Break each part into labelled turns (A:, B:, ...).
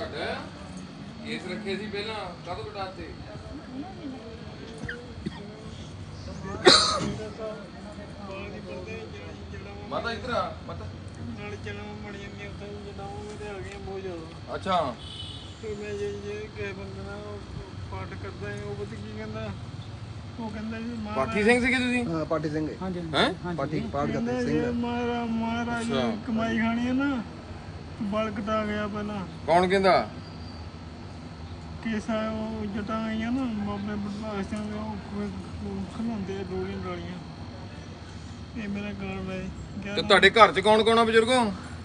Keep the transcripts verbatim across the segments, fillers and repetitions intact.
A: Case ਰੱਖੇ ਸੀ ਪਹਿਲਾਂ ਕਦੋਂ ਕਟਾਤੇ ਮਾਤਾ ਇਧਰ ਆ ਮਾਤਾ
B: ਨਾਲ ਜਨਮ ਬਣ ਜਾਂਦੀ ਉੱਥੇ ਜਨਾਬ ਉਹਦੇ ਆ ਗਏ ਬਹੁਤ ਜ਼ਿਆਦਾ।
A: ਅੱਛਾ
B: ਫਿਰ ਮੈਂ ਜੇ ਜੇ ਕਿਸੇ ਬੰਦੇ ਨਾਲ ਪਾਠ ਕਰਦਾ ਹੈ ਉਹ ਪਤਾ ਕੀ ਕਹਿੰਦਾ ਉਹ ਕਹਿੰਦਾ ਜੀ ਮਹਾਰਾਜ
A: ਪਾਠੀ ਸਿੰਘ ਸੀਗੇ ਤੁਸੀਂ
C: ਹਾਂ ਪਾਠੀ ਸਿੰਘ
B: ਹਾਂਜੀ
A: ਹੈ
C: ਪਾਠੀ ਪਾਠ
B: ਕਹਿੰਦਾ
C: ਕਰਦੇ
B: ਜੇ
C: ਸਿੰਘ
B: ਮਹਾਰਾਜ ਮਹਾਰਾਜ ਨੇ
A: ਅੱਛਾ।
B: ਕਮਾਈ ਖਾਣੀ ਹੈ ਨਾ ਬਲ ਕਟਾ ਗਿਆ ਪਹਿਲਾਂ
A: ਕੌਣ ਕਹਿੰਦਾ
B: ਕੇਸਾ ਉਹ ਜਟਾਂ ਆਈਆਂ ਨਾ ਬਾਬੇ ਬਦਮਾਸ਼ ਸਿੰਘ ਦੇ ਉਹ ਖਲਾਉਂਦੇ ਡੋਲੀਆਂ ਡਾਲੀਆਂ ਇਹ ਮੇਰਾ ਗਾਲ ਹੈ
A: ਤੇ ਤੁਹਾਡੇ ਘਰ 'ਚ ਕੌਣ ਕੌਣ ਆ ਬਜ਼ੁਰਗੋ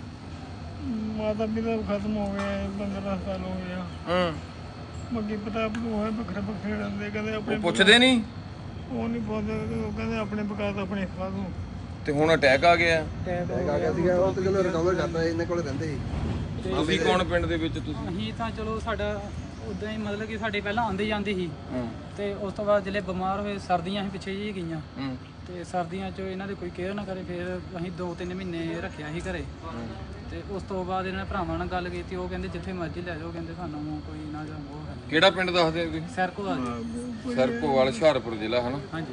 B: ਮਾਤਾ ਪਿਤਾ ਖਤਮ ਹੋ ਗਏ ਪੰਦਰਾਂ ਸਾਲ ਹੋ ਗਿਆ
A: ਹਾਂ
B: ਬਾਕੀ ਪਤਾ ਹੋਏ ਵੱਖਰੇ ਵੱਖਰੇ ਰਹਿੰਦੇ ਕਹਿੰਦੇ ਆਪਣੇ
A: ਉਹ ਪੁੱਛਦੇ ਨਹੀਂ
B: ਉਹ ਨਹੀਂ ਪੁੱਛਦੇ ਉਹ ਕਹਿੰਦੇ ਆਪਣੇ ਪਕਾ ਤਾਂ ਆਪਣੇ ਖਾ ਦੋ
A: ਤੇ ਹੁਣ ਅਟੈਕ ਆ ਗਿਆ
B: ਟੈਪ
C: ਆ ਗਿਆ ਸੀਗਾ ਉਹ ਤਾਂ ਚਲੋ ਰਿਕਵਰ ਕਰਦਾ ਇਹਨਾਂ ਕੋਲ ਰਹਿੰਦੇ ਸੀ
A: ਤੁਸੀਂ ਕੌਣ ਪਿੰਡ ਦੇ ਵਿੱਚ ਤੁਸੀਂ
D: ਅਸੀਂ ਤਾਂ ਚਲੋ ਸਾਡਾ ਉਦਾਂ ਹੀ ਮਤਲਬ ਕਿ ਸਾਡੇ ਪਹਿਲਾਂ ਆਉਂਦੇ ਜਾਂਦੇ ਸੀ
A: ਹਾਂ
D: ਤੇ ਉਸ ਤੋਂ ਬਾਅਦ ਜਿਹੜੇ ਬਿਮਾਰ ਹੋਏ ਸਰਦੀਆਂ ਅਸੀਂ ਪਿੱਛੇ ਜਿਹੀ ਗਈਆਂ
A: ਹਾਂ
D: ਤੇ ਸਰਦੀਆਂ 'ਚ ਇਹਨਾਂ ਦੇ ਕੋਈ ਕੇਅਰ ਨਾ ਕਰੇ ਫਿਰ ਅਸੀਂ ਦੋ ਤਿੰਨ ਮਹੀਨੇ ਰੱਖਿਆ ਸੀ ਘਰੇ ਤੇ ਉਸ ਤੋਂ ਬਾਅਦ ਇਹਨਾਂ ਨੇ ਭਰਾਵਾਂ ਨਾਲ ਗੱਲ ਕੀਤੀ ਉਹ ਕਹਿੰਦੇ ਜਿੱਥੇ ਮਰਜ਼ੀ ਲੈ ਜਾਓ ਕਹਿੰਦੇ ਸਾਨੂੰ ਕੋਈ ਨਾ ਜਾਂ ਉਹ ਹੈ
A: ਕਿਹੜਾ ਪਿੰਡ ਦੱਸਦੇ ਹੋ ਤੁਸੀਂ
D: ਸਰਕੋ ਆ ਜੀ
A: ਸਰਕੋਵਾਲ ਹੁਸ਼ਿਆਰਪੁਰ ਜ਼ਿਲ੍ਹਾ ਹੈ ਨਾ
D: ਹਾਂਜੀ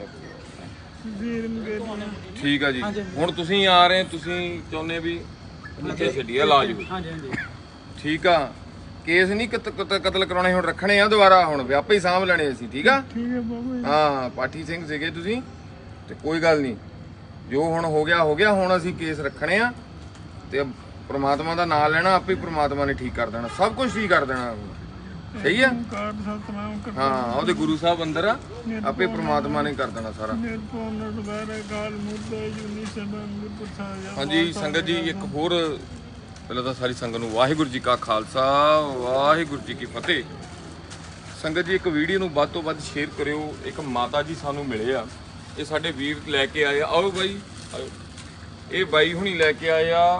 B: ਵੀਰ ਮਗੇਰੀਆਂ
A: ਠੀਕ ਆ ਜੀ ਹੁਣ ਤੁਸੀਂ ਆ ਰਹੇ ਤੁਸੀਂ ਚਾਹੁੰਦੇ ਵੀ ਇੱਥੇ ਛੱਡੀਏ ਇਲਾਜ ਹੋਵੇ
D: ਹਾਂਜੀ ਹਾਂਜੀ
A: ਠੀਕ ਆ ਕੇਸ ਨਹੀਂ ਕਤ- ਕਤ- ਕਤਲ ਕਰਾਉਣੇ ਹੁਣ ਰੱਖਣੇ ਆ ਦੁਬਾਰਾ ਹੁਣ ਵਿਆਪੇ ਹੀ ਸਾਂਭ ਲੈਣੇ ਸੀ ਠੀਕ ਆ
B: ਠੀਕ ਹੈ ਬਾਬਾ ਜੀ।
A: ਹਾਂ ਪਾਠੀ ਸਿੰਘ ਸੀਗੇ ਤੁਸੀਂ ਤੇ ਕੋਈ ਗੱਲ ਨਹੀਂ ਜੋ ਹੁਣ ਹੋ ਗਿਆ ਹੋ ਗਿਆ ਹੁਣ ਅਸੀਂ ਕੇਸ ਰੱਖਣੇ ਆ ਤੇ ਪ੍ਰਮਾਤਮਾ ਦਾ ਨਾਮ ਲੈਣਾ ਆਪੇ ਪ੍ਰਮਾਤਮਾ ਨੇ ਠੀਕ ਕਰ ਦੇਣਾ ਸਭ ਕੁਝ ਠੀਕ ਕਰ ਦੇਣਾ ਸਹੀ ਆ
B: ਕਾਰ ਸਤਨਾਮ ਕਰ
A: ਹਾਂ ਉਹਦੇ ਗੁਰੂ ਸਾਹਿਬ ਅੰਦਰ ਆ ਆਪੇ ਪ੍ਰਮਾਤਮਾ ਨੇ ਕਰ ਦੇਣਾ ਸਾਰਾ
B: ਨਿਰਪਉ ਨਿਰਵੈਰ ਗਾਲ ਮੁਰਦਾ ਜੁਨੀ ਸਭਾ ਗੁਰਪ੍ਰਸਾਦ
A: ਹਾਂਜੀ ਸੰਗਤ ਜੀ ਇੱਕ ਹੋਰ ਪਹਿਲਾਂ ਤਾਂ ਸਾਰੀ ਸੰਗਤ ਨੂੰ ਵਾਹਿਗੁਰੂ ਜੀ ਕਾ ਖਾਲਸਾ ਵਾਹਿਗੁਰੂ ਜੀ ਕੀ ਫਤਿਹ। ਸੰਗਤ ਜੀ ਇੱਕ ਵੀਡੀਓ ਨੂੰ ਵੱਧ ਤੋਂ ਵੱਧ ਸ਼ੇਅਰ ਕਰਿਓ। ਇੱਕ ਮਾਤਾ ਜੀ ਸਾਨੂੰ ਮਿਲੇ ਆ ਇਹ ਸਾਡੇ ਵੀਰ ਲੈ ਕੇ ਆਏ ਆ ਆਓ ਬਾਈ ਆਓ ਇਹ ਬਾਈ ਹੁਣੀ ਲੈ ਕੇ ਆਏ ਆ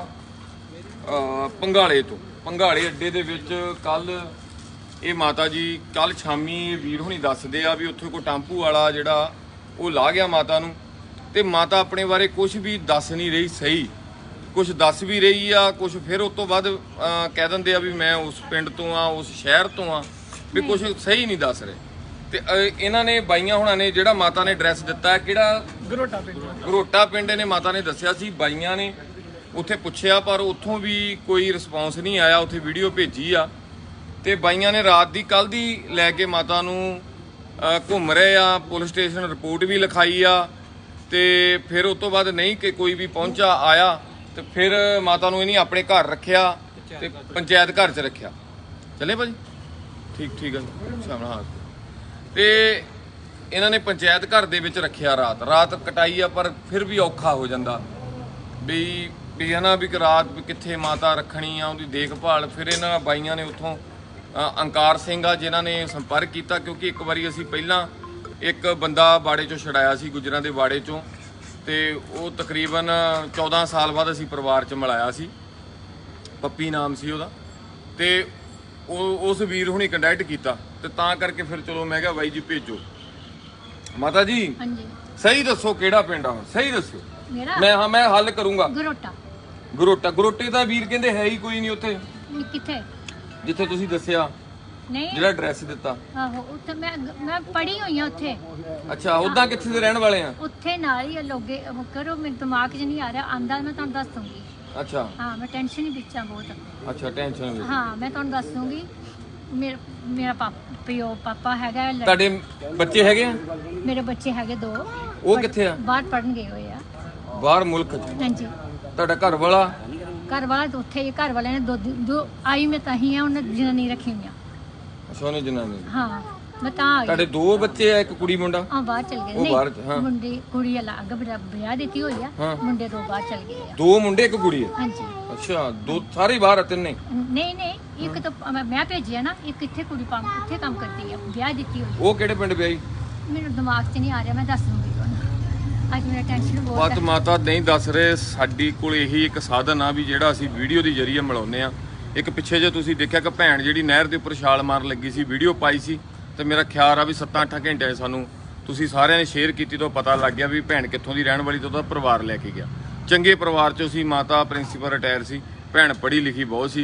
A: ਅਹ ਪੰਘਾਲੇ ਤੋਂ ਪੰਘਾਲੇ ਅੱਡੇ ਦੇ ਵਿੱਚ ਕੱਲ ਇਹ ਮਾਤਾ ਜੀ ਕੱਲ ਸ਼ਾਮੀ ਇਹ ਵੀਰ ਹੁਣੀ ਦੱਸਦੇ ਆ ਵੀ ਉੱਥੇ ਕੋਈ ਟੈਂਪੂ ਵਾਲਾ ਜਿਹੜਾ ਉਹ ਲਾ ਗਿਆ ਮਾਤਾ ਨੂੰ ਤੇ ਮਾਤਾ ਆਪਣੇ ਬਾਰੇ ਕੁਝ ਵੀ ਦੱਸ ਨਹੀਂ ਰਹੀ ਸਹੀ ਕੁਝ ਦੱਸ ਵੀ ਰਹੀ ਆ ਕੁਝ ਫਿਰ ਉਸ ਤੋਂ ਬਾਅਦ ਅਹ, ਕਹਿ ਦਿੰਦੇ ਆ ਵੀ ਮੈਂ ਉਸ ਪਿੰਡ ਤੋਂ ਆ ਉਸ ਸ਼ਹਿਰ ਤੋਂ ਆ ਵੀ ਕੁਝ ਸਹੀ ਨਹੀਂ ਦੱਸ ਰਹੇ ਤੇ ਅਹ, ਇਹਨਾਂ ਨੇ ਬਾਈਆਂ ਹੁਣਾਂ ਨੇ ਜਿਹੜਾ ਮਾਤਾ ਨੇ ਐਡਰੈਸ ਦਿੱਤਾ ਹੈ ਕਿਹੜਾ
B: ਗਰੋਟਾ ਪਿੰਡ
A: ਗਰੋਟਾ ਪਿੰਡ ਨੇ ਮਾਤਾ ਨੇ ਦੱਸਿਆ ਸੀ ਬਾਈਆਂ ਨੇ ਉੱਥੇ ਪੁੱਛਿਆ ਪਰ ਉੱਥੋਂ ਵੀ ਕੋਈ ਰਿਸਪੌਂਸ ਨਹੀਂ ਆਇਆ ਉੱਥੇ ਵੀਡੀਓ ਭੇਜੀ ਆ ਤੇ ਬਾਈਆਂ ਨੇ ਰਾਤ ਦੀ ਕੱਲ ਦੀ ਲੈ ਕੇ ਮਾਤਾ ਨੂੰ ਅਹ, ਘੁੰਮ ਰਹੇ ਆ ਪੁਲਿਸ ਸਟੇਸ਼ਨ ਰਿਪੋਰਟ ਵੀ ਲਿਖਾਈ ਆ ਤੇ ਫਿਰ ਉਸ ਤੋਂ ਬਾਅਦ ਨਹੀਂ ਕਿ ਕੋਈ ਵੀ ਪਹੁੰਚਾ ਆਇਆ ਤੇ ਫਿਰ ਮਾਤਾ ਨੂੰ ਇਹਨੇ ਆਪਣੇ ਘਰ ਰੱਖਿਆ ਤੇ ਪੰਚਾਇਤ ਘਰ 'ਚ ਰੱਖਿਆ ਚੱਲੇ ਭਾਜੀ ਠੀਕ ਠੀਕ ਹੈ ਸ਼ਾਮਲ ਹਾਂ ਤੇ ਇਹਨਾਂ ਨੇ ਪੰਚਾਇਤ ਘਰ ਦੇ ਵਿੱਚ ਰੱਖਿਆ ਰਾਤ ਰਾਤ ਕਟਾਈ ਆ ਪਰ ਫਿਰ ਵੀ ਔਖਾ ਹੋ ਜਾਂਦਾ ਵੀ ਵੀ ਹਨਾ ਵੀ ਰਾਤ ਵੀ ਕਿੱਥੇ ਮਾਤਾ ਰੱਖਣੀ ਆ ਉਹਦੀ ਦੇਖਭਾਲ ਫਿਰ ਇਹਨਾਂ ਬਾਈਆਂ ਨੇ ਉੱਥੋਂ ਅ, ਅੰਕਾਰ ਸਿੰਘ ਆ ਜਿਨ੍ਹਾਂ ਨੇ ਸੰਪਰਕ ਕੀਤਾ ਕਿਉਂਕਿ ਇੱਕ ਵਾਰੀ ਅਸੀਂ ਪਹਿਲਾਂ ਇੱਕ ਬੰਦਾ ਬਾੜੇ ਚੋਂ ਛਡਾਇਆ ਸੀ ਗੁੱਜਰਾਂ ਦੇ ਬਾੜੇ ਚੋਂ ਤੇ ਉਹ ਤਕਰੀਬਨ ਚੌਦਾਂ ਸਾਲ ਬਾਅਦ ਅਸੀਂ ਪਰਿਵਾਰ 'ਚ ਮਿਲਾਇਆ ਸੀ ਪੱਪੀ ਨਾਮ ਸੀ ਉਹਦਾ ਤੇ ਉਹ ਉਸ ਵੀਰ ਹੁਣੀ ਕੰਟੈਕਟ ਕੀਤਾ ਤੇ ਤਾਂ ਕਰਕੇ ਫਿਰ ਚਲੋ ਮੈਂ ਕਿਹਾ ਬਾਈ ਜੀ ਭੇਜੋ ਮਾਤਾ ਜੀ
E: ਹਾਂਜੀ
A: ਸਹੀ ਦੱਸੋ ਕਿਹੜਾ ਪਿੰਡ ਆ ਹੁਣ ਸਹੀ ਦੱਸਿਓ
E: ਮੇਰਾ
A: ਮੈਂ ਹਾਂ ਮੈਂ ਹੱਲ ਕਰੂੰਗਾ
E: ਗਰੋਟਾ
A: ਗਰੋਟਾ ਗਰੋਟੇ ਦਾ ਵੀਰ ਕਹਿੰਦੇ ਹੈ ਹੀ ਕੋਈ ਨਹੀਂ ਉੱਥੇ
E: ਨੀ ਕਿੱਥੇ
A: ਜਿੱਥੇ ਤੁਸੀਂ ਦੱਸਿਆ
E: ਨਹੀਂ
A: ਜਿਹੜਾ ਐਡਰੈਸ ਦਿੱਤਾ
E: ਆਹੋ ਉੱਥੇ ਮੈਂ ਮੈਂ ਪੜੀ ਹੋਈ ਆ ਉੱਥੇ
A: ਅੱਛਾ ਉਦਾਂ ਕਿੱਥੇ ਦੇ ਰਹਿਣ ਵਾਲੇ ਆ
E: ਉੱਥੇ ਨਾਲ ਹੀ ਆ ਲੋਗੇ ਉਹ ਕਰੋ ਮੇਰੇ ਦਿਮਾਗ 'ਚ ਨਹੀਂ ਆ ਰਿਹਾ ਆਂਦਾ ਮੈਂ ਤੁਹਾਨੂੰ ਦੱਸ ਦੂੰਗੀ
A: ਅੱਛਾ
E: ਹਾਂ ਮੈਂ ਟੈਨਸ਼ਨ ਹੀ ਵਿੱਚ ਆ ਬਹੁਤ
A: ਅੱਛਾ ਟੈਨਸ਼ਨ ਵਿੱਚ
E: ਹਾਂ ਮੈਂ ਤੁਹਾਨੂੰ ਦੱਸ ਦੂੰਗੀ ਮੇਰਾ ਮੇਰਾ ਪਾਪਾ ਪਿਓ ਪਾਪਾ ਹੈਗਾ ਲੜ-
A: ਤੁਹਾਡੇ ਬੱਚੇ ਹੈਗੇ ਆ
E: ਮੇਰੇ ਬੱਚੇ ਹੈਗੇ ਦੋ
A: ਉਹ ਕਿੱਥੇ ਆ
E: ਬਾਹਰ ਪੜਨ ਗਏ ਹੋਏ ਆ
A: ਬਾਹਰ ਮੁਲਕ 'ਚ
E: ਹਾਂਜੀ
A: ਤੁਹਾਡਾ ਘਰ ਵਾਲਾ
E: ਘਰ ਵਾਲਾ ਤਾਂ ਉੱਥੇ ਹੀ ਘਰ ਵਾਲਿਆਂ ਨੇ ਦੋ ਦੋ ਆਈ ਮੈਂ ਤਾਂ ਹੀ ਆ ਉਹਨਾਂ ਜਨਾਨੀ ਰੱਖੀ ਹੋਈਆਂ
A: ਸੋਨੇ ਜਨਾਨੀ
E: ਹਾਂ ਮੈਂ ਤਾਂ ਆ
A: ਤੁਹਾਡੇ
E: ਗਈ
A: ਦੋ ਬੱਚੇ ਆ ਇੱਕ ਕੁੜੀ ਮੁੰਡਾ
E: ਆ ਬਾਹਰ ਚਲ ਗਏ
A: ਉਹ ਬਾਹਰ ਚ, ਹਾਂ।
E: ਮੁੰਡੇ ਕੁੜੀ ਅਲੱਗ ਵਿਆਹ ਵਿਆਹ ਦਿੱਤੀ ਹੋਈ ਆ
A: ਹਾਂ।
E: ਮੁੰਡੇ ਦੋ ਬਾਹਰ ਚਲ ਗਏ ਆ
A: ਦੋ ਮੁੰਡੇ ਇੱਕ ਕੁੜੀ ਆ
E: ਹਾਂਜੀ
A: ਅੱਛਾ ਦੋ ਸਾਰੇ ਬਾਹਰ ਆ ਤਿੰਨੇ
E: ਨਹੀਂ ਨਹੀਂ ਇੱਕ ਤਾਂ ਮੈਂ- ਮੈਂ ਭੇਜਿਆ ਨਾ ਇੱਕ ਇੱਥੇ ਕੁੜੀ ਪਾ ਇੱਥੇ ਕੰਮ ਕਰਦੀ ਆ ਵਿਆਹ ਦਿੱਤੀ ਹੋਈ
A: ਉਹ ਕਿਹੜੇ ਪਿੰਡ ਵਿਆਹੀ
E: ਮੈਨੂੰ ਦਿਮਾਗ 'ਚ ਨਹੀਂ ਆ ਰਿਹਾ ਮੈਂ ਦੱਸ ਦੂੰਗੀ ਤੁਹਾਨੂੰ ਅੱਜ ਮੇਰਾ ਟੈਨਸ਼ਨ ਬਹੁਤ
A: ਪਤ
E: ਹੈ
A: ਮਾਤਾ ਨਹੀਂ ਦੱਸ ਰਹੇ ਸਾਡੀ ਕੋਲ ਇਹੀ ਇੱਕ ਸਾਧਨ ਆ ਵੀ ਜਿਹੜਾ ਅਸੀਂ ਵੀਡੀਓ ਦੀ ਜਰੀਏ ਮਿਲਾਉਂਦੇ ਆ ਇੱਕ ਪਿੱਛੇ ਜੇ ਤੁਸੀਂ ਦੇਖਿਆ ਕਿ ਭੈਣ ਜਿਹੜੀ ਨਹਿਰ ਦੇ ਉੱਪਰ ਛਾਲ ਮਾਰਨ ਲੱਗੀ ਸੀ ਵੀਡੀਓ ਪਾਈ ਸੀ ਤੇ ਮੇਰਾ ਖਿਆਲ ਆ ਵੀ ਸੱਤ ਅੱਠ ਘੰਟੇ ਸਾਨੂੰ ਤੁਸੀਂ ਸਾਰਿਆਂ ਨੇ ਸ਼ੇਅਰ ਕੀਤੀ ਤੋਂ ਪਤਾ ਲੱਗ ਗਿਆ ਵੀ ਭੈਣ ਕਿੱਥੋਂ ਦੀ ਰਹਿਣ ਵਾਲੀ ਤੋਂ ਉਹਦਾ ਪਰਿਵਾਰ ਲੈ ਕੇ ਗਿਆ ਚੰਗੇ ਪਰਿਵਾਰ ਚੋਂ ਸੀ ਮਾਤਾ ਪ੍ਰਿੰਸੀਪਲ ਰਿਟਾਇਰ ਸੀ ਭੈਣ ਪੜ੍ਹੀ ਲਿਖੀ ਬਹੁਤ ਸੀ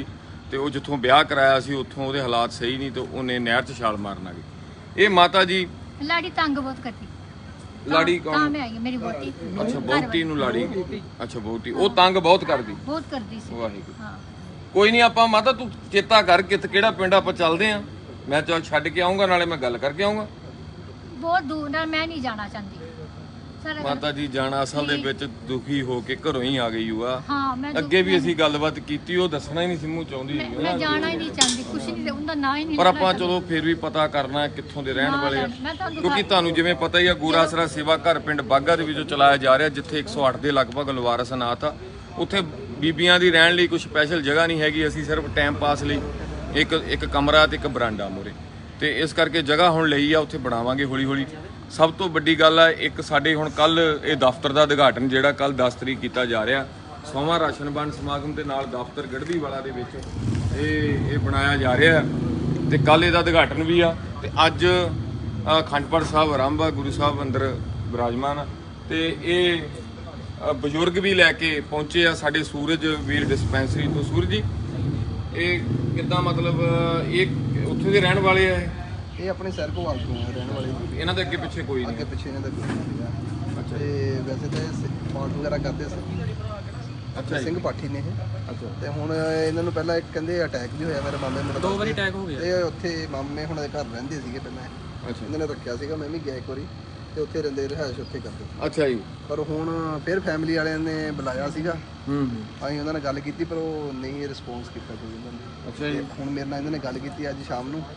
A: ਤੇ ਉਹ ਜਿੱਥੋਂ ਵਿਆਹ ਕਰਾਇਆ ਸੀ ਉੱਥੋਂ ਉਹਦੇ ਹਾਲਾਤ ਸਹੀ ਨਹੀਂ ਤੇ ਉਹਨੇ ਨਹਿਰ 'ਚ ਛਾਲ ਮਾਰਨ ਆ ਗਈ। ਇਹ ਮਾਤਾ ਜੀ
E: ਲਾੜੀ ਤੰਗ ਬਹੁਤ ਕਰਦੀ।
A: ਲਾੜੀ
E: ਤਾਂ
A: ਕੌਣ?
E: ਮੈਂ ਆਈ ਹਾਂ, ਮੇਰੀ ਵਹੁਟੀ।
A: ਅੱਛਾ ਵਹੁਟੀ ਨੂੰ ਲਾੜੀ, ਅੱਛਾ ਵਹੁਟੀ ਉਹ ਤੰਗ ਬਹੁਤ ਕਰਦੀ।
E: ਬਹੁਤ ਕਰਦੀ ਸੀ।
A: ਵਾਹਿਗੁਰੂ।
E: ਹਾਂ
A: ਕੋਈ ਨਹੀਂ ਆਪਾਂ ਮਾਤਾ ਤੂੰ ਚੇਤਾ ਕਰ ਕਿਤ ਕਿਹੜਾ ਪਿੰਡ ਆਪਾਂ ਚੱਲਦੇ ਆ, ਮੈਂ ਚੱਲ ਛੱਡ ਕੇ ਆਉਂਗਾ ਨਾਲੇ ਮੈਂ ਗੱਲ ਕਰਕੇ ਆਉਂਗਾ।
E: ਬਹੁਤ ਦੂਰ ਨਾਲ ਮੈਂ ਨਹੀਂ ਜਾਣਾ ਚਾਹੁੰਦੀ ਸਰ।
A: ਮਾਤਾ ਜੀ ਜਾਣਾ ਅਸਲ ਦੇ ਵਿੱਚ ਦੁਖੀ ਹੋ ਕੇ ਘਰੋਂ ਹੀ ਆ ਗਈ ਹੋਆ।
E: ਹਾਂ ਮੈਂ
A: ਅੱਗੇ ਵੀ ਅਸੀਂ ਗੱਲਬਾਤ ਕੀਤੀ, ਉਹ ਦੱਸਣਾ ਹੀ ਨਹੀਂ ਸਿੰਮੂ ਚਾਹੁੰਦੀ
E: ਮੈਂ
A: ਸੀ
E: ਮੈਂ
A: ਨਾ।
E: ਜਾਣਾ ਹੀ ਨਹੀਂ ਚਾਹੁੰਦੀ, ਕੁਛ ਨਹੀਂ, ਉਹਦਾ ਨਾਂ ਹੀ ਨਹੀਂ
A: ਪਰ
E: ਲੈਣਾ
A: ਆਪਾਂ
E: ਚਾਹੁੰਦੀ।
A: ਚਲੋ ਫਿਰ ਵੀ ਪਤਾ ਕਰਨਾ ਕਿੱਥੋਂ ਦੇ ਰਹਿਣ
E: ਨਾ,
A: ਵਾਲੇ ਆ,
E: ਮੈਂ ਤੁਹਾਨੂੰ
A: ਕਿਉਂਕਿ ਤੁਹਾਨੂੰ ਜਿਵੇਂ ਪਤਾ ਹੀ ਆ ਗੂਰਾਸਰਾ ਸੇਵਾ ਘਰ ਪਿੰਡ ਬਾਗਾ ਦੇ ਵਿੱਚੋਂ ਚਲਾਇਆ ਜਾ ਰਿਹਾ, ਜਿੱਥੇ ਇੱਕ ਸੌ ਅੱਠ ਦੇ ਲਗਭਗ ਲਵਾਰਸ ਅਨਾਥ ਆ। ਉੱਥੇ ਬੀਬੀਆਂ ਦੀ ਰਹਿਣ ਲਈ ਕੁਝ ਸਪੈਸ਼ਲ ਜਗ੍ਹਾ ਨਹੀਂ ਹੈਗੀ। ਅਸੀਂ ਸਿਰਫ ਟਾਈਮ ਪਾਸ ਲਈ ਇੱਕ ਇੱਕ ਕਮਰਾ ਤੇ ਇੱਕ ਬਰਾਂਡਾ ਮੂਹਰੇ, ਤੇ ਇਸ ਕਰਕੇ ਜਗ੍ਹਾ ਹੁਣ ਲਈ ਆ, ਉੱਥੇ ਬਣਾਵਾਂਗੇ ਹੌਲੀ ਹੌਲੀ। ਸਭ ਤੋਂ ਵੱਡੀ ਗੱਲ ਆ ਇੱਕ ਸਾਡੇ ਹੁਣ ਕੱਲ ਇਹ ਦਫ਼ਤਰ ਦਾ ਉਦਘਾਟਨ ਜਿਹੜਾ ਕੱਲ ਦਸ ਤਰੀਕ ਕੀਤਾ ਜਾ ਰਿਹਾ, ਸੋਮਾ ਰਾਸ਼ਨ ਵੰਡ ਸਮਾਗਮ ਦੇ ਨਾਲ ਦਫ਼ਤਰ ਗੜਦੀ ਵਾਲਾ ਦੇ ਵਿੱਚ ਇਹ ਇਹ ਬਣਾਇਆ ਜਾ ਰਿਹਾ ਤੇ ਕੱਲ ਇਹਦਾ ਉਦਘਾਟਨ ਵੀ ਆ। ਤੇ ਅੱਜ ਅਖੰਡ ਪਾਠ ਸਾਹਿਬ ਆਰੰਭ ਆ, ਗੁਰੂ ਸਾਹਿਬ ਅੰਦਰ ਵਿਰਾਜਮਾਨ ਆ ਤੇ ਇਹ ਅ, ਬਜ਼ੁਰਗ ਵੀ ਲੈ ਕੇ ਪਹੁੰਚੇ ਆ ਸਾਡੇ ਸੂਰਜ ਵੀਰ ਡਿਸਪੈਂਸਰੀ ਤੋਂ। ਸੂਰਜ ਜੀ ਇਹ ਕਿੱਦਾਂ ਮਤਲਬ ਇਹ ਉੱਥੇ ਦੇ ਰਹਿਣ ਵਾਲੇ ਆ?
C: ਇਹ ਆਪਣੇ ਸਰ ਕੋਲ ਤੋਂ ਰਹਿਣ ਵਾਲੇ ਜੀ।
A: ਇਹਨਾਂ ਦੇ ਅੱਗੇ ਪਿੱਛੇ ਕੋਈ
C: ਅੱਗੇ
A: ਨਹੀਂ?
C: ਪਿੱਛੇ ਇਹਨਾਂ ਦਾ ਕੋਈ ਨਹੀਂ ਸੀਗਾ।
A: ਅੱਛਾ
C: ਤੇ ਵੈਸੇ ਤਾਂ ਇਹ ਪਾਠ ਵਗੈਰਾ ਕਰਦੇ ਸੀ।
A: ਅੱਛਾ ਜੀ।
C: ਸਿੰਘ ਪਾਠੀ ਨੇ ਇਹ।
A: ਅੱਛਾ
C: ਤੇ ਹੁਣ ਇਹਨਾਂ ਨੂੰ ਪਹਿਲਾਂ ਇੱਕ ਕਹਿੰਦੇ ਅਟੈਕ ਵੀ ਹੋਇਆ ਮੇਰੇ ਮਾਮੇ ਨੂੰ।
D: ਦੋ ਵਾਰੀ ਅਟੈਕ ਹੋ ਗਿਆ।
C: ਤੇ ਉੱਥੇ ਮਾਮੇ ਹੁਣ ਦੇ ਘਰ ਰਹਿੰਦੇ ਸੀਗੇ ਪਹਿਲਾਂ।
A: ਅੱਛਾ
C: ਇਹਨਾਂ ਨੇ ਰੱਖਿਆ ਸੀਗਾ, ਮੈਂ ਵੀ ਗਿਆ ਇੱਕ ਵਾਰੀ ਤੇ ਉੱਥੇ ਰਹਿੰਦੇ ਰਿਹਾਇਸ਼ ਉੱਥੇ ਕਰਦੇ।
A: ਅੱਛਾ ਜੀ।
C: ਪਰ ਹੁਣ ਫਿਰ ਫੈਮਿਲੀ ਵਾਲਿਆਂ ਨੇ ਬੁਲਾਇਆ ਸੀਗਾ,
A: ਹੂੰ
C: ਅਸੀਂ ਉਹਨਾਂ ਨਾਲ ਗੱਲ ਕੀਤੀ ਪਰ ਉਹ ਨਹੀਂ ਰਿਸਪੌਂਸ ਕੀਤਾ ਕੋਈ ਉਹਨਾਂ ਨੇ।
A: ਅੱਛਾ ਜੀ।
C: ਤੇ ਹੁਣ ਮੇਰੇ ਨਾਲ ਇਹਨਾਂ ਨੇ ਗੱਲ ਕੀਤੀ ਅੱਜ ਸ਼ਾਮ ਨੂੰ,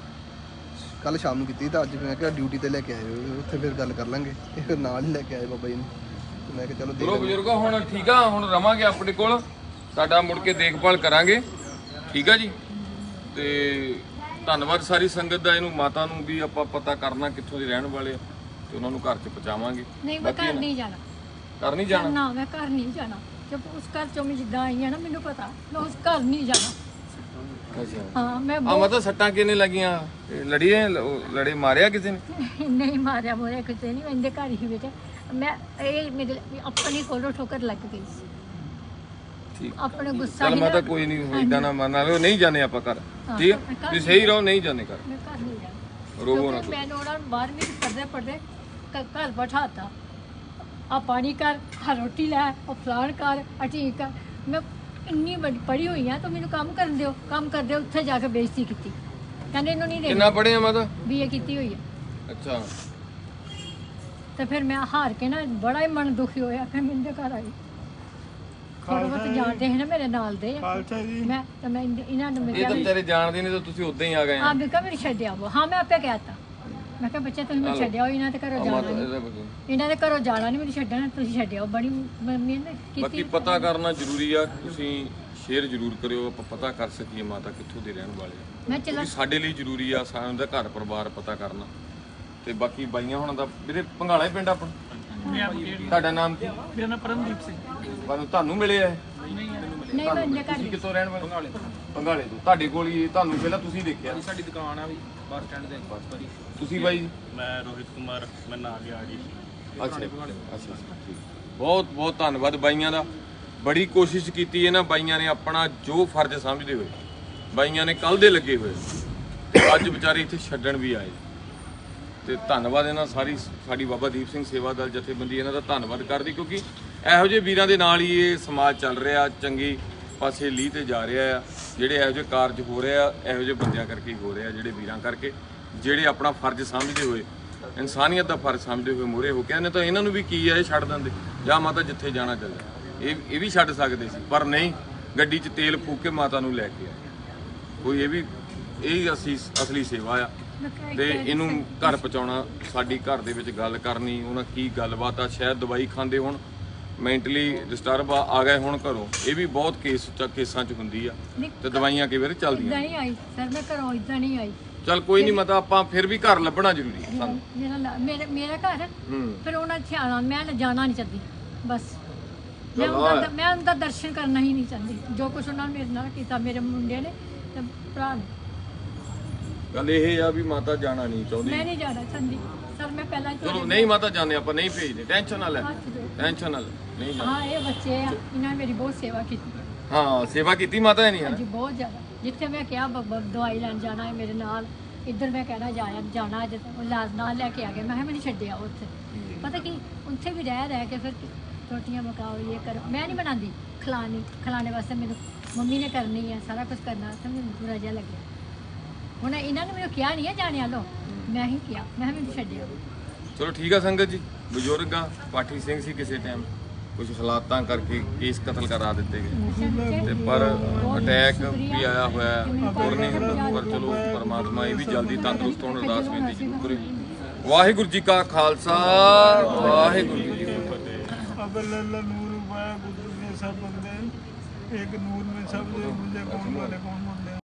C: ਕੱਲ ਸ਼ਾਮ ਨੂੰ ਕੀਤੀ ਤਾਂ ਅੱਜ ਮੈਂ ਕਿਹਾ ਡਿਊਟੀ ਤੇ ਲੈ ਕੇ ਆਏ ਹੋ, ਉੱਥੇ ਫਿਰ ਗੱਲ ਕਰ ਲਾਂਗੇ। ਇਹ ਫਿਰ ਨਾਲ ਹੀ ਲੈ ਕੇ ਆਏ ਬਾਬਾ ਜੀ ਨੂੰ। ਤੇ ਮੈਂ ਕਿਹਾ ਚਲੋ ਦੇਖ
A: ਚਲੋ ਬਜ਼ੁਰਗੋ ਹੁਣ ਠੀਕ ਆ, ਹੁਣ ਰਵਾਂਗੇ ਆਪਣੇ ਕੋਲ, ਤੁਹਾਡਾ ਮੁੜ ਕੇ ਦੇਖਭਾਲ ਕਰਾਂਗੇ, ਠੀਕ ਆ ਜੀ। ਤੇ ਧੰਨਵਾਦ ਸਾਰੀ ਸੰਗਤ ਦਾ। ਇਹਨੂੰ ਮਾਤਾ ਨੂੰ ਵੀ ਆਪਾਂ ਪਤਾ ਕਰਨਾ ਕਿੱਥੋਂ ਦੇ ਰਹਿਣ ਵਾਲੇ ਆ ਤੇ ਉਹਨਾਂ ਨੂੰ ਘਰ 'ਚ ਪਹੁੰਚਾਵਾਂਗੇ।
E: ਨਹੀਂ ਮੈਂ ਘਰ ਨਹੀਂ ਜਾਣਾ।
A: ਘਰ ਨਹੀਂ ਜਾਣਾ?
E: ਨਾ ਮੈਂ ਘਰ ਨਹੀਂ ਜਾਣਾ। ਜਦ ਉਸ ਘਰ ਚੋਂ ਮੈਂ ਜਿੱਦਾਂ ਆਈ ਹਾਂ ਨਾ, ਮੈਨੂੰ ਪਤਾ ਮੈਂ ਉਸ ਘਰ ਨਹੀਂ ਜਾਣਾ।
A: ਅੱਛਾ
E: ਹਾਂ ਮੈਂ
A: ਆ
E: ਬਹੁਤ-
A: ਮਤਲਬ ਸੱਟਾਂ ਕਿੰਨੇ ਲੱਗੀਆਂ? ਇਹ ਲੜੀ ਹੈ, ਲ- ਲੜੇ ਮਾਰਿਆ ਕਿਸੇ ਨੇ?
E: ਨਹੀਂ ਮਾਰਿਆ ਮੋਰਿਆ ਕਿਤੇ ਨਹੀਂ, ਮੈਂ ਇਹਦੇ ਘਰ ਹੀ ਬੇਟੇ ਮੈਂ ਇਹ ਮੇਰੇ ਆਪਣੀ ਕੋਲੋਂ ਠੋਕਰ ਲੱਗ ਗਈ ਸੀ।
A: ਠੀਕ।
E: ਆਪਣੇ ਗੁੱਸਾ
A: ਚਲ
E: ਹੀ
A: ਮਾਤਾ
E: ਨਾ-
A: ਕੋਈ ਨਹੀਂ, ਇਦਾਂ ਨਾ ਮੰਨ ਆਵੇ, ਨਹੀਂ ਜਾਣੇ ਆਪਾਂ ਘਰ, ਠੀਕ ਹੈ?
E: ਹਾਂ,
A: ਤੁਸੀਂ ਸਹੀ ਰਹੋ, ਨਹੀਂ ਜਾਣੇ ਘਰ,
E: ਮੈਂ ਘਰ ਨਹੀਂ ਜਾਣਾ।
A: ਰੋਵੋ ਨਾ।
E: ਕਿਉਂਕਿ ਮੈਂ ਉਹਨਾਂ ਨੂੰ ਬਾਰਵੀਂ ਪੜ੍ਹਦੇ ਪੜ੍ਹਦੇ ਘ- ਘਰ ਬਿਠਾਤਾ। ਆ ਪਾਣੀ ਕਰ, ਆ ਰੋਟੀ ਲੈ, ਆ ਫਲਾਣ ਕਰ, ਆ ਠੀਕ ਕਰ। ਮੈਂ ਇੰਨੀ ਵੱਡੀ ਪੜ੍ਹੀ ਹੋਈ ਆ ਤਾਂ ਮੈਨੂੰ ਕੰਮ ਕਰਨ ਦਿਓ, ਕੰਮ ਕਰਦੇ ਉੱਥੇ ਜਾ ਕੇ ਬੇਇੱਜ਼ਤੀ ਕੀਤੀ। ਕਹਿੰਦੇ ਇਹਨੂੰ ਨਹੀਂ
A: ਕਿੰਨਾ
E: ਦੇਣੀ,
A: ਪੜ੍ਹੇ ਆ ਮਾਤਾ?
E: ਬੀਏ ਕੀਤੀ ਹੋਈ ਆ।
A: ਅੱਛਾ।
E: ਤੇ ਫਿਰ ਮੈਂ ਹਾਰ ਕੇ ਨਾ ਬੜਾ ਹੀ ਮਨ ਦੁਖੀ ਹੋਇਆ, ਫਿਰ ਮੈਂ ਇਹਦੇ ਘਰ ਆਈ। ਥੋੜਾ ਬਹੁਤ ਜਾਣਦੇ ਸੀ ਨਾ ਮੇਰੇ ਨਾਲ ਦੇ,
B: ਖਾਲਸਾ ਜੀ।
E: ਮੈਂ ਤਾਂ ਮੈਂ ਇਹਦੇ- ਇਹਨਾਂ ਨੂੰ ਮੈਂ
A: ਇਹ ਤਾਂ
E: ਕਿਹਾ
A: ਵਿਚਾਰੇ ਜਾਣਦੇ ਨਹੀਂ ਤਾਂ ਤੁਸੀਂ ਉਦਾਂ ਹੀ ਆ ਗਏ ਆ।
E: ਹਾਂ ਮੈਂ ਕਿਹਾ ਮੈਨੂੰ ਛੱਡਿਆ ਉਹ। ਹਾਂ ਮੈਂ ਆਪੇ ਕਹਿਤਾ, ਮੈਂ ਕਿਹਾ ਬੱਚੇ ਤੁਸੀਂ ਮੈਨੂੰ ਛੱਡਿਆ ਇਹਨਾਂ ਦੇ ਘਰੋਂ
A: ਆ
E: ਜਾਣਾ
A: ਮਾਤਾ
E: ਨਹੀਂ,
A: ਇਹਦਾ ਬੋਲੋ।
E: ਇਹਨਾਂ ਦੇ ਘਰੋਂ ਜਾਣਾ ਨਹੀਂ, ਮੈਨੂੰ ਛੱਡਣਾ, ਤੁਸੀਂ ਛੱਡਿਓ। ਬੜੀ ਮੰਮੀ ਨੇ
A: ਬਾਕੀ
E: ਕੀਤੀ।
A: ਪਤਾ ਕਰਨਾ ਜ਼ਰੂਰੀ ਆ, ਤੁਸੀਂ ਸ਼ੇਅਰ ਜ਼ਰੂਰ ਕਰਿਓ, ਆਪਾਂ ਪਤਾ ਕਰ ਸਕੀਏ ਮਾਤਾ ਕਿੱਥੋਂ ਦੇ ਰਹਿਣ ਵਾਲੇ ਆ।
E: ਮੈਂ ਚਲਾ
A: ਕਿਉਂਕਿ ਸਾਡੇ ਲਈ ਜ਼ਰੂਰੀ ਆ ਸਾਨੂੰ ਦਾ ਘਰ ਪਰਿਵਾਰ ਪਤਾ ਕਰਨਾ। ਤੇ ਬਾਕੀ ਬਾਈਆਂ ਹੁਣ ਦਾ ਵੀਰੇ ਭੰਗਾਲਾ ਹੀ ਪਿੰਡ ਆਪਣਾ, ਤੁਹਾਡਾ ਨਾਮ ਕੀ?
D: ਮੇਰਾ ਨਾਮ ਪਰਮਦੀਪ ਸਿੰਘ।
A: ਪਰ ਤੁਹਾਨੂੰ ਮਿਲੇ ਆ ਇਹ?
E: ਨਹੀਂ ਮੈਂ ਇਹਦੇ ਘਰ
A: ਤੁਸੀਂ ਕਿੱਥੋਂ ਰਹਿਣ ਵਾਲੇ? ਭੰਗਾਲੇ ਭੰਗਾਲੇ ਤੋਂ। ਤੁਹਾਡੇ ਕੋਲ ਹੀ ਤੁਹਾਨੂੰ ਪਹਿਲਾਂ ਤੁਸੀਂ ਦੇਖਿਆ?
D: ਸਾਡੀ ਦੁਕਾਨ ਆ ਵੀ ਬੱਸ ਸਟੈਂਡ ਦੇ ਪਾਸ।
A: ਤੁਸੀਂ ਬਾਈ ਜੀ?
B: ਮੈਂ ਰੋਹਿਤ ਕੁਮਾਰ, ਮੈਂ ਨਾਲ ਗਿਆ ਜੀ।
A: ਅੱਛਾ ਅੱਛਾ ਅੱਛਾ, ਠੀਕ। ਬਹੁਤ ਬਹੁਤ ਧੰਨਵਾਦ ਬਾਈਆਂ ਦਾ। ਬੜੀ ਕੋਸ਼ਿਸ਼ ਕੀਤੀ ਇਹਨਾਂ ਬਾਈਆਂ ਨੇ, ਆਪਣਾ ਜੋ ਫਰਜ਼ ਸਮਝਦੇ ਹੋਏ ਬਾਈਆਂ ਨੇ ਕੱਲ ਦੇ ਲੱਗੇ ਹੋਏ ਤੇ ਅੱਜ ਵਿਚਾਰੇ ਇੱਥੇ ਛੱਡਣ ਵੀ ਆਏ। ਤੇ ਧੰਨਵਾਦ ਇਹਨਾਂ ਸਾਰੀ ਸਾਡੀ ਬਾਬਾ ਦੀਪ ਸਿੰਘ ਸੇਵਾ ਦਲ ਜਥੇਬੰਦੀ ਇਹਨਾਂ ਦਾ ਧੰਨਵਾਦ ਕਰਦੀ, ਕਿਉਂਕਿ ਇਹੋ ਜਿਹੇ ਵੀਰਾਂ ਦੇ ਨਾਲ ਹੀ ਇਹ ਸਮਾਜ ਚੱਲ ਰਿਹਾ, ਚੰਗੀ ਪਾਸੇ ਲੀਹ ਤੇ ਜਾ ਰਿਹਾ ਆ। ਜਿਹੜੇ ਇਹੋ ਜਿਹੇ ਕਾਰਜ ਹੋ ਰਹੇ ਆ, ਇਹੋ ਜਿਹੇ ਬੰਦਿਆਂ ਕਰਕੇ ਹੀ ਹੋ ਰਹੇ ਆ, ਜਿਹੜੇ ਵੀਰਾਂ ਕਰਕੇ, ਜਿਹੜੇ ਆਪਣਾ ਫਰਜ਼ ਸਮਝਦੇ ਹੋਏ, ਇਨਸਾਨੀਅਤ ਦਾ ਫਰਜ਼ ਸਮਝਦੇ ਹੋਏ ਮੂਹਰੇ ਹੋ ਕੇ ਨੇ। ਤਾਂ ਇਹਨਾਂ ਨੂੰ ਵੀ ਕੀ ਆ, ਇਹ ਛੱਡ ਦਿੰਦੇ, ਜਾਂ ਮਾਤਾ ਜਿੱਥੇ ਜਾਣਾ ਚੱਲ। ਇਹ ਇਹ ਵੀ ਛੱਡ ਸਕਦੇ ਸੀ ਪਰ ਨਹੀਂ, ਗੱਡੀ 'ਚ ਤੇਲ ਫੂਕ ਕੇ ਮਾਤਾ ਨੂੰ ਲੈ ਕੇ ਆਏ। ਕੋਈ ਇਹ ਵੀ ਇਹ ਅਸੀਂ ਅਸਲੀ ਸੇਵਾ ਆ।
E: ਮੈਂ ਕਿਹਾ
A: ਤੇ ਇਹਨੂੰ ਘਰ ਪਹੁੰਚਾਉਣਾ, ਸਾਡੀ ਘਰ ਦੇ ਵਿੱਚ ਗੱਲ ਕਰਨੀ, ਉਹਨਾਂ ਕੀ ਗੱਲਬਾਤ ਆ, ਸ਼ਾਇਦ ਦਵਾਈ ਖਾਂਦੇ ਹੁਣ, ਮੈਂਟਲੀ ਡਿਸਟਰਬ ਆ ਆ ਗਏ ਹੁਣ ਘਰੋਂ। ਇਹ ਵੀ ਬਹੁਤ ਕੇਸ ਚ ਕੇਸਾਂ 'ਚ ਹੁੰਦੀ ਆ ਤੇ ਦਵਾਈਆਂ ਕਈ ਵਾਰ ਚੱਲਦੀਆਂ।
E: ਇਦਾਂ ਨਹੀਂ ਆਈ ਸਰ, ਮੈਂ ਘਰੋਂ ਇਦਾਂ ਨਹੀਂ ਆਈ।
A: ਚੱਲ ਕੋਈ ਨਹੀਂ ਮਤਾ, ਆਪਾਂ ਫਿਰ ਵੀ ਘਰ ਲੱਭਣਾ ਜ਼ਰੂਰੀ ਹੈ ਸਾਨੂੰ।
E: ਮੇਰਾ ਲਾ- ਮੇਰਾ ਮੇਰਾ ਘਰ
A: ਹੂੰ।
E: ਫਿਰ ਉਹਨਾਂ ਇੱਥੇ ਆਉਣਾ, ਮੈਂ ਜਾਣਾ ਨਹੀਂ ਚਾਹਦੀ ਬਸ। ਮੈਂ
A: ਚੱਲ
E: ਉਹਨਾਂ
A: ਆ।
E: ਦਾ ਮੈਂ ਉਹਨਾਂ ਦਾ ਦਰਸ਼ਨ ਕਰਨਾ ਹੀ ਨਹੀਂ ਚਾਹੁੰਦੀ, ਜੋ ਕੁਝ ਉਹਨਾਂ ਨੇ ਮੇਰੇ ਨਾਲ ਕੀਤਾ, ਮੇਰੇ ਮੁੰਡੇ ਨੇ ਤੇ ਭਰਾ ਨੇ।
A: ਗੱਲ ਇਹ ਆ ਵੀ ਮਾਤਾ ਜਾਣਾ ਨਹੀਂ ਚਾਹੁੰਦੀ।
E: ਮੈਂ ਨਹੀਂ ਜਾਣਾ ਚਾਹੁੰਦੀ ਸਰ, ਮੈਂ ਪਹਿਲਾਂ ਹੀ
A: ਚਲੋ
E: ਤੁਹਾਡੇ
A: ਨਹੀਂ ਮਾਤਾ ਜਾਂਦੇ ਆਪਾਂ, ਨਹੀਂ ਭੇਜਦੇ, ਟੈਨਸ਼ਨ ਨਾ ਲੈ,
E: ਹੱਥ ਜੋੜ-
A: ਟੈਨਸ਼ਨ ਨਾ ਲੈ। ਨਹੀਂ ਜਾ-
E: ਹਾਂ ਇਹ ਬੱਚੇ ਆ ਇਹਨਾਂ ਨੇ ਮੇਰੀ ਬਹੁਤ ਸੇਵਾ ਕੀਤੀ ਹੈ।
A: ਹਾਂ ਸੇਵਾ ਕੀਤੀ ਮਾਤਾ ਨੇ,
E: ਹਾਂਜੀ ਬਹੁਤ ਜ਼ਿਆਦਾ। ਜਿੱਥੇ ਮੈਂ ਕਿਹਾ ਬ- ਬ- ਦਵਾਈ ਲੈਣ ਜਾਣਾ ਹੈ ਮੇਰੇ ਨਾਲ, ਇੱਧਰ ਮੈਂ ਕਹਿਣਾ ਜਾਇਆ ਜਾਣਾ ਅੱਜ ਉਹ ਲਾਜ ਨਾਲ ਲੈ ਕੇ ਆ ਗਏ। ਮੈਂ ਕਿਹਾ ਮੈਨੂੰ ਛੱਡਿਆ ਉੱਥੇ, ਪਤਾ ਕੀ ਉੱਥੇ ਵੀ ਰਹਿ ਰਹਿ ਕੇ ਫਿਰ ਰੋਟੀਆਂ ਪਕਾਓ ਇਹ ਕਰੋ, ਮੈਂ ਨਹੀਂ ਬਣਾਉਂਦੀ, ਖਿਲਾਣੀ ਖਿਲਾਣੇ ਵਾਸਤੇ ਮੈਨੂੰ ਮੰਮੀ ਨੇ ਕਰਨੀ ਹੈ, ਸਾਰਾ ਕੁਝ ਕਰਨਾ ਤੇ ਮੈਨੂੰ ਬੁਰਾ ਜਿਹਾ ਲੱਗਿਆ। ਹੁਣ ਇਹਨਾਂ ਨੇ ਮੈਨੂੰ ਕਿਹਾ ਨਹੀਂ ਹੈ ਜਾਣਿਆ ਲੋ, ਮੈਂ ਹੀ ਕਿਹਾ, ਮੈਂ ਕਿਹਾ ਮੈਨੂੰ ਛੱਡਿਆ।
A: ਚਲੋ ਠੀਕ ਆ ਸੰਗਤ ਜੀ, ਬਜ਼ੁਰਗ ਆ, ਪਾਠੀ ਸਿੰਘ ਸੀ ਕਿਸੇ ਟਾਈਮ, ਕੁਝ ਹਾਲਾਤਾਂ ਕਰਕੇ ਕੇਸ ਕਤਲ ਕਰਾ ਦਿੱਤੇ ਗਏ ਤੇ ਪਰ ਅਟੈਕ ਵੀ ਆਇਆ ਹੋਇਆ ਹੋਰ ਨਹੀਂ ਹੁੰਦਾ, ਪਰ ਚਲੋ ਪਰਮਾਤਮਾ ਇਹ ਵੀ ਜਲਦੀ ਤੰਦਰੁਸਤ ਹੋਣ ਅਰਦਾਸ ਬੇਨਤੀ ਜ਼ਰੂਰ ਕਰੇ। ਵਾਹਿਗੁਰੂ ਜੀ ਕਾ ਖਾਲਸਾ, ਵਾਹਿਗੁਰੂ ਜੀ ਕੀ ਫਤਿਹ।
B: अब अल्लाह नूर वाया गुरु ने सब बंदे एक नूर में सब जो मुझे कौन वाले कौन